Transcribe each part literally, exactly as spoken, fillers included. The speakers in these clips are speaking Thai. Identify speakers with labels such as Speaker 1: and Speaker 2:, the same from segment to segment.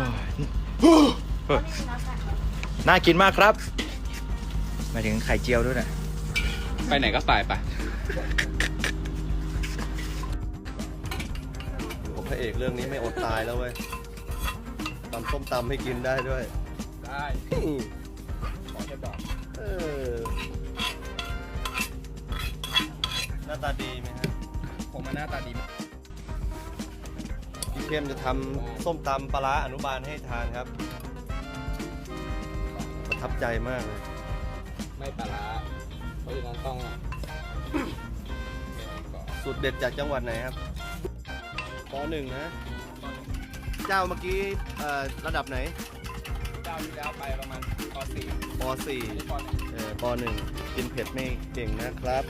Speaker 1: น่ากินมากครับมาถึงไข่เจียวด้วยนะ
Speaker 2: ไปไหนก็ไปไป
Speaker 3: พระเอกเรื่องนี้ไม่อดตายแล้วเว้ยตำส้มตำให้กินได้ด้วย
Speaker 2: ได้ขอแค่บอก
Speaker 3: เออหน้าตาดีไหมฮะ
Speaker 2: ผมมาหน้าตาดี
Speaker 3: พี่เข้มจะทำส้มตำปลาร้าอนุบาลให้ทานครับประทับใจมากเลย
Speaker 2: ไม่ปลาร้าเพราะฉะนั้นต้อง
Speaker 3: สูตรเด็ดจากจังหวัดไหนครับป.หนึ่งนะเจ้าเมื่อกี้ระดับไหน
Speaker 2: เจ้าที่แล้วไปประมาณป.สี่
Speaker 3: ป.สี่เออป.หนึ่งกินเผ็ดไม่เก่งนะครับ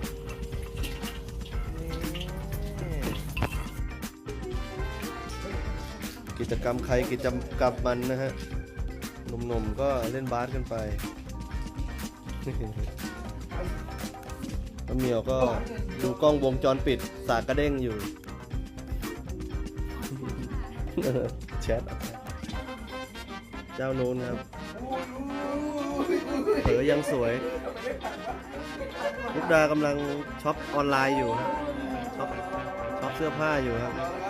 Speaker 3: กิจกรรมใครกิจกรรมมันนะฮะหนุ่มๆก็เล่นบาสกันไปน้ำเมียวก็ดูกล้องวงจรปิดสากกระเด้งอยู่แชทเจ้าโน้นครับเผยยังสวยลูกดากำลังช็อปออนไลน์อยู่ช็อปช็อปเสื้อผ้าอยู่ครับ